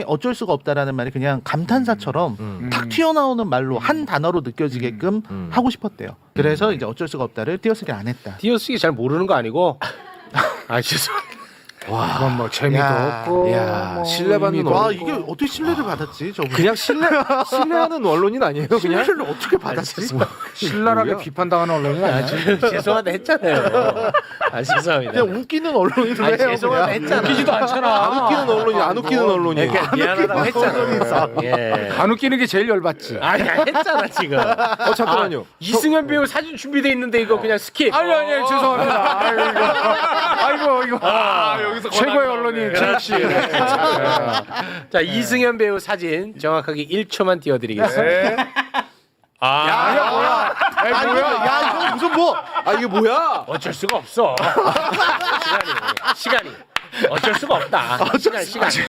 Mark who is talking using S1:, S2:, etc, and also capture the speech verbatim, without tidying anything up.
S1: 어쩔 수가 없다라는 말이 그냥 감탄사처럼
S2: 음.
S1: 탁 튀어나오는 말로 한 단어로 느껴지게끔
S2: 음.
S1: 하고 싶었대요. 그래서 이제 어쩔 수가 없다를 띄어쓰기 안 했다.
S3: 띄어쓰기 잘 모르는 거 아니고? 아 죄송합니다.
S2: 와,
S4: 그건 뭐 재미도
S1: 야,
S4: 없고
S2: 야,
S4: 뭐
S2: 신뢰받는
S4: 의미도
S1: 와
S2: 어,
S1: 이게 어떻게 신뢰를 받았지 저분?
S2: 그냥 신뢰 신뢰하는 언론인 아니에요? 그냥
S1: 신뢰를 어떻게 받았지?
S4: 신랄하게
S2: 뭐야?
S4: 비판당하는 언론이 아니야.
S3: 죄송하다 했잖아요. 아 죄송합니다.
S1: 그냥 웃기는 언론으로
S3: 아니,
S1: 해요.
S3: 죄송하다
S1: 그냥.
S3: 했잖아.
S4: 웃기지도 않잖아.
S2: 안 웃기는 언론이 안 웃기는 언론이.
S3: 그러니까 미안하다고 했잖아. 예.
S4: 안 웃기는 게 제일 열받지.
S3: 아니 했잖아 지금.
S2: 어 잠깐만요.
S3: 아, 이승현 배우 사진 준비돼 있는데 이거 그냥 스킵.
S4: 아니 아니 죄송합니다. 아이고 이거, 아이고, 이거.
S3: 아,
S4: 여기서 최고의 언론인 최욱 씨.
S3: 자 이승현 배우 사진 정확하게 일 초만 띄워드리겠습니다. 아,
S4: 야 뭐야? 에이,
S1: 아니,
S4: 뭐야?
S1: 야 이거 무슨 뭐?
S2: 아 이게 뭐야?
S3: 어쩔 수가 없어. 시간이 시간이 어쩔 수가 없다. 시간 시간.